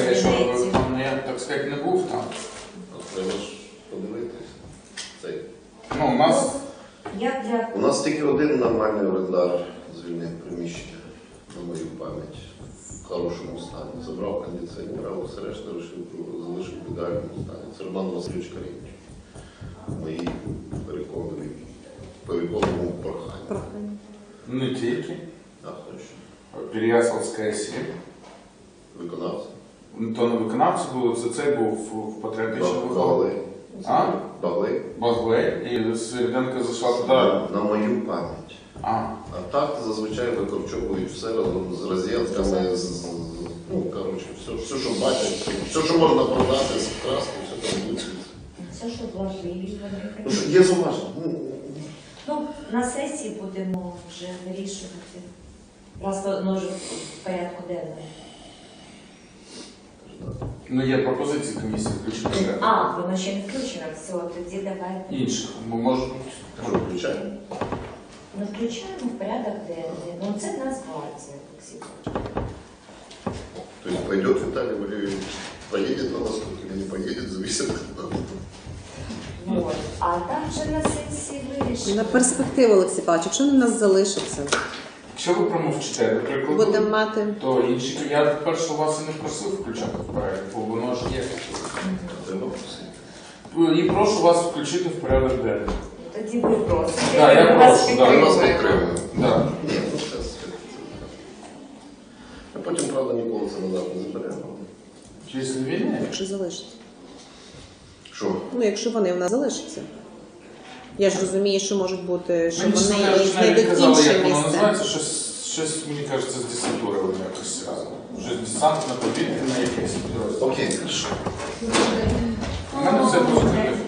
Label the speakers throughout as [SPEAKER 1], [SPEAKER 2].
[SPEAKER 1] я що, я, так сказати, не був там.
[SPEAKER 2] Треба ж подивитись.
[SPEAKER 1] Ну,
[SPEAKER 2] У нас тільки один нормальний орендар звільнив приміщення, на мою пам'ять, в хорошому стані. Забрав кондиціонер, а все решта залишив в ідеальному стані. Це Роман Васильович Карінч. Мої переконливому проханню.
[SPEAKER 1] не тільки.
[SPEAKER 2] А хто ще?
[SPEAKER 1] Переяславська 7.
[SPEAKER 2] Виконавця.
[SPEAKER 1] То не виконавці були, це був в патріотичному
[SPEAKER 2] Баглей.
[SPEAKER 1] А?
[SPEAKER 2] Баглей.
[SPEAKER 1] Баглей. І Середенка зайшла туди.
[SPEAKER 2] На мою пам'ять. А так зазвичай викорчовують все разом з розетками, ну, коротше, все, що бачать, все, що можна продати, скрасти, все там буде.
[SPEAKER 3] Все, що вложили.
[SPEAKER 2] Є зауваження.
[SPEAKER 3] Ну, на сесії будемо вже вирішувати. Просто ну, вже в порядку денному.
[SPEAKER 1] Ну, є пропозиції комісії включити.
[SPEAKER 3] Воно ще не включено. Все, тоді давайте.
[SPEAKER 1] Інших. Бо може
[SPEAKER 2] Що, включаємо?
[SPEAKER 3] Ну, включаємо в порядок денний. Ну, це Нацгвардія, Олексій.
[SPEAKER 2] То есть пойдет Виталий Валерьевич, поедет на восток или не поедет, зависит от нас.
[SPEAKER 3] Вот. А там вже на сесії вирішимо.
[SPEAKER 4] На перспективу, Олексій Павлович, якщо вони в нас залишаться,
[SPEAKER 1] якщо ви промовчите, наприклад,
[SPEAKER 4] будемо мати.
[SPEAKER 1] то інші. Я перше вас і не просив включати в порядок, бо воно ж є.
[SPEAKER 2] Треба просити.
[SPEAKER 1] І прошу вас включити в порядок денний.
[SPEAKER 3] Тоді ви просите.
[SPEAKER 1] Так, я прошу,
[SPEAKER 2] Ми
[SPEAKER 1] так.
[SPEAKER 2] вас підтримуємо.
[SPEAKER 1] Да.
[SPEAKER 2] Ні, ну це. А потім, правда, ніколи це назад не заберемо.
[SPEAKER 1] Після війни?
[SPEAKER 4] Якщо залишиться.
[SPEAKER 2] Що?
[SPEAKER 4] Ну, якщо вони в нас залишаться. Я ж розумію, що можуть бути, що
[SPEAKER 1] Мені
[SPEAKER 4] вони
[SPEAKER 1] навіть
[SPEAKER 4] знайдуть
[SPEAKER 1] казали,
[SPEAKER 4] інше
[SPEAKER 1] як воно
[SPEAKER 4] місце.
[SPEAKER 1] називається, щось, мені кажеться, з десантури вони якось разом. Щось десантне повітряне якесь підрозділ.
[SPEAKER 2] Окей, хорошо.
[SPEAKER 1] У мене все позитивно.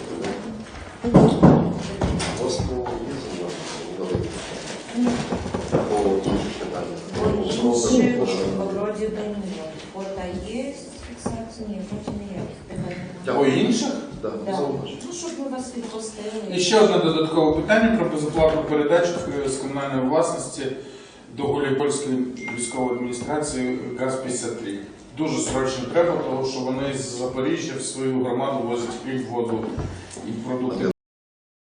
[SPEAKER 2] У вас по є зауваження? По інших питаннях.
[SPEAKER 3] Вроді би ні. Фото є, фіксація ні, вроді ніяких питань.
[SPEAKER 1] По інших?
[SPEAKER 2] Так,
[SPEAKER 3] Да.
[SPEAKER 2] зауваження.
[SPEAKER 3] Ну, щоб ми вас відпустили.
[SPEAKER 1] І ще одне додаткове питання про безоплатну передачу з комунальної власності до Гуляйпольської військової адміністрації ГАЗ-53. Дуже срочно треба, тому що вони з Запоріжжя в свою громаду возять хліб, воду і продукти